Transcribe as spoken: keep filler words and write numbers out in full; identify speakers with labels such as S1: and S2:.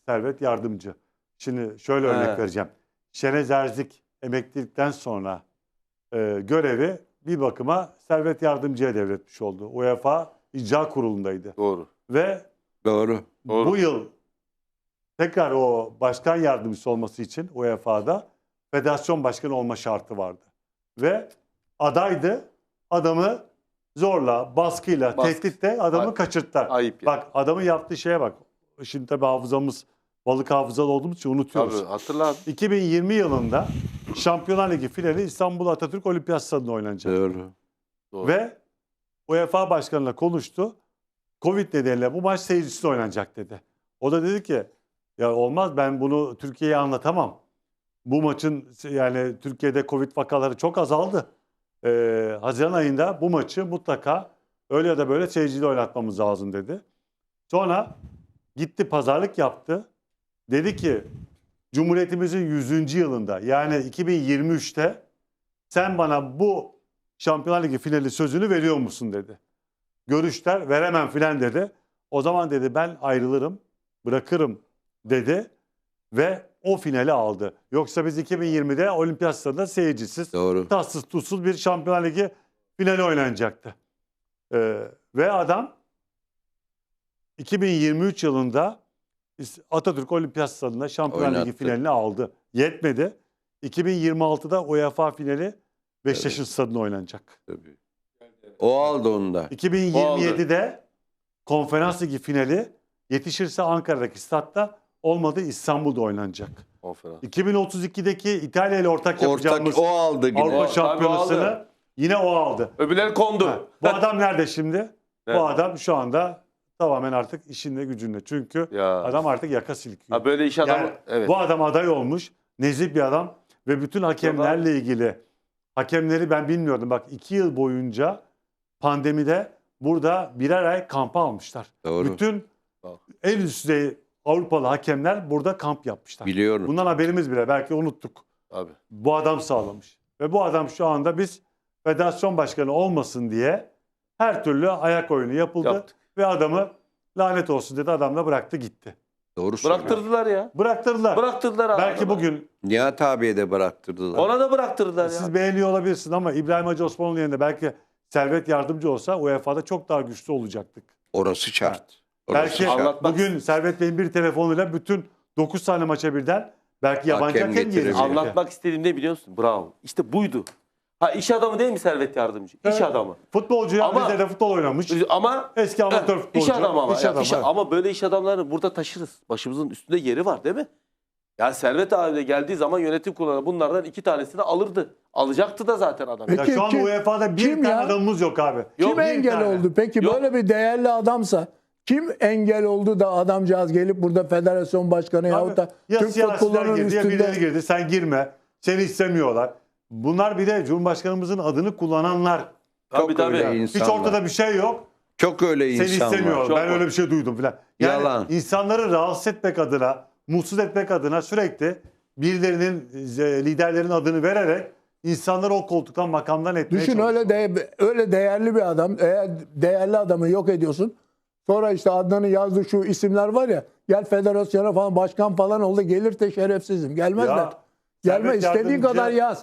S1: Servet Yardımcı. Şimdi şöyle
S2: He.
S1: örnek vereceğim. Şenez Erzik emeklilikten sonra e, görevi bir bakıma Servet Yardımcı'ya devretmiş oldu. UEFA İcra Kurulu'ndaydı.
S2: Doğru.
S1: Ve
S3: Doğru.
S2: Doğru.
S1: bu yıl tekrar o başkan yardımcısı olması için U E F A'da federasyon başkanı olma şartı vardı. Ve adaydı. Adamı zorla, baskıyla,
S2: Baskı.
S1: tehditle adamı
S2: Ayıp.
S1: kaçırttılar.
S2: Ayıp ya.
S1: Bak adamın yaptığı şeye bak. Şimdi tabii hafızamız, balık hafızalı olduğumuz için unutuyoruz.
S2: Tabii hatırla abi.
S1: iki bin yirmi yılında Şampiyonlar Ligi finali İstanbul Atatürk Olimpiyat Stadı'nda oynanacak.
S3: Doğru.
S2: Doğru.
S1: Ve UEFA Başkanı'na konuştu. Covid nedeniyle bu maç seyircisiz oynanacak dedi. O da dedi ki ya olmaz, ben bunu Türkiye'ye anlatamam. Bu maçın yani Türkiye'de Covid vakaları çok azaldı. Ee, Haziran ayında bu maçı mutlaka öyle ya da böyle seyirciyle oynatmamız lazım dedi. Sonra gitti pazarlık yaptı. Dedi ki Cumhuriyetimizin yüzüncü yılında yani iki bin yirmi üçte sen bana bu Şampiyonlar Ligi finali sözünü veriyor musun dedi. Görüşler veremem filan dedi. O zaman dedi ben ayrılırım, bırakırım dedi ve o finali aldı. Yoksa biz iki bin yirmide Olimpiyat Stadı'nda seyircisiz,
S3: Doğru.
S1: tatsız tuzsuz bir Şampiyonlar Ligi finali oynanacaktı. Ee, ve adam iki bin yirmi üç yılında Atatürk Olimpiyat Stadı'nda Şampiyonlar Ligi
S3: Oynattı.
S1: finalini aldı. Yetmedi. iki bin yirmi altıda UEFA finali Beşiktaş'ın
S3: Evet.
S1: stadında oynanacak.
S3: Tabii. O aldı onu da.
S1: iki bin yirmi yedide Konferans Ligi finali yetişirse Ankara'daki statta, olmadı İstanbul'da oynanacak.
S2: Konferans.
S1: iki bin otuz ikideki İtalya ile ortak yapacağımız
S3: Ortak o aldı yine.
S1: Avrupa
S2: O, tabii
S1: Şampiyonası'nı
S2: aldı.
S1: yine o aldı.
S2: Öbürleri kondu.
S1: Ha, bu adam nerede şimdi?
S2: Evet.
S1: Bu adam şu anda tamamen artık işinde gücünde. Çünkü
S2: Ya.
S1: adam artık yaka silkiyor.
S2: Ha, böyle iş adamı.
S1: Yani
S2: Evet.
S1: bu adam aday olmuş. Nezih bir adam. Ve bütün hakemlerle ilgili, hakemleri ben bilmiyordum. Bak iki yıl boyunca pandemide burada birer ay kampa almışlar.
S3: Doğru.
S1: Bütün
S2: Bak.
S1: en üst düzey Avrupalı hakemler burada kamp yapmışlar.
S3: Biliyorum.
S1: Bundan haberimiz bile, belki unuttuk.
S2: Abi.
S1: Bu adam sağlamış. Ve bu adam şu anda biz federasyon başkanı olmasın diye her türlü ayak oyunu yapıldı.
S2: Yaptık.
S1: Ve adamı lanet olsun dedi, adam da bıraktı gitti.
S3: Doğru söylüyor.
S2: Bıraktırdılar ya.
S1: Bıraktırdılar.
S2: Bıraktırdılar abi.
S1: Belki bugün
S3: Nihat abiye de bıraktırdılar.
S2: Ona da bıraktırdılar ya.
S1: siz beğeniyor olabilirsiniz ama İbrahim Hacı Osmanlı'nın yerinde belki Servet Yardımcı olsa U E F A'da çok daha güçlü olacaktık.
S3: Orası şart. Orası
S1: Belki
S3: şart.
S2: Anlatmak-
S1: bugün Servet Bey'in bir telefonuyla bütün dokuz tane maça birden belki yabancı
S3: Hakem
S1: hakem,
S3: getirebilir.
S1: gelecek.
S2: Anlatmak istediğim ne biliyor musun? Bravo. İşte buydu. Ha iş adamı değil mi Servet Yardımcı? İş
S1: Evet.
S2: adamı.
S1: Futbolcu,
S2: Ama-
S1: Rize'de futbol oynamış.
S2: Ama
S1: Eski amatör
S2: Heh,
S1: futbolcu.
S2: İş adamı ama.
S1: İş
S2: ya,
S1: adamı,
S2: iş-
S1: evet.
S2: ama böyle iş adamlarını burada taşırız. Başımızın üstünde yeri var değil mi? Ya Servet abi de geldiği zaman yönetim kurulu bunlardan iki tanesini alırdı. Alacaktı da zaten adam.
S1: Ya
S4: Peki,
S1: şu an
S4: kim-
S1: U E F A'da bir
S4: kim
S1: tane
S4: ya?
S1: adamımız yok abi.
S2: Yok,
S4: Kim
S1: bir
S4: engel
S1: tane.
S4: oldu? Peki
S2: Yok.
S4: böyle bir değerli adamsa kim engel oldu da adamcağız gelip burada federasyon başkanı
S1: Abi,
S4: yahut da
S1: ya
S4: Türk
S1: siyasiler
S4: futbolunun
S1: girdi ya birileri
S4: üstünde
S1: girdi. Sen girme. Seni istemiyorlar. Bunlar bir de Cumhurbaşkanımızın adını kullananlar.
S2: Tabii
S3: Çok
S2: tabii.
S3: öyle
S1: Hiç
S3: insanlar.
S1: ortada bir şey yok.
S3: Çok öyle
S1: Seni
S3: insan
S1: istemiyorlar.
S3: var.
S2: Çok
S1: Ben
S2: var.
S1: öyle bir şey duydum filan. Yani
S3: Yalan.
S1: insanları rahatsız etmek adına, mutsuz etmek adına sürekli birilerinin, e, liderlerin adını vererek insanları o koltuktan, makamdan etmeye
S4: düşün öyle
S1: çalışıyorlar.
S4: de öyle değerli bir adam, eğer değerli adamı yok ediyorsun. Sonra işte Adnan'ın yazdığı şu isimler var ya, gel federasyona falan başkan falan oldu, gelir de şerefsizim. Gelmezler.
S1: Ya,
S4: Gelme,
S1: Servet
S4: istediğin
S1: Yardımcı-
S4: kadar yaz.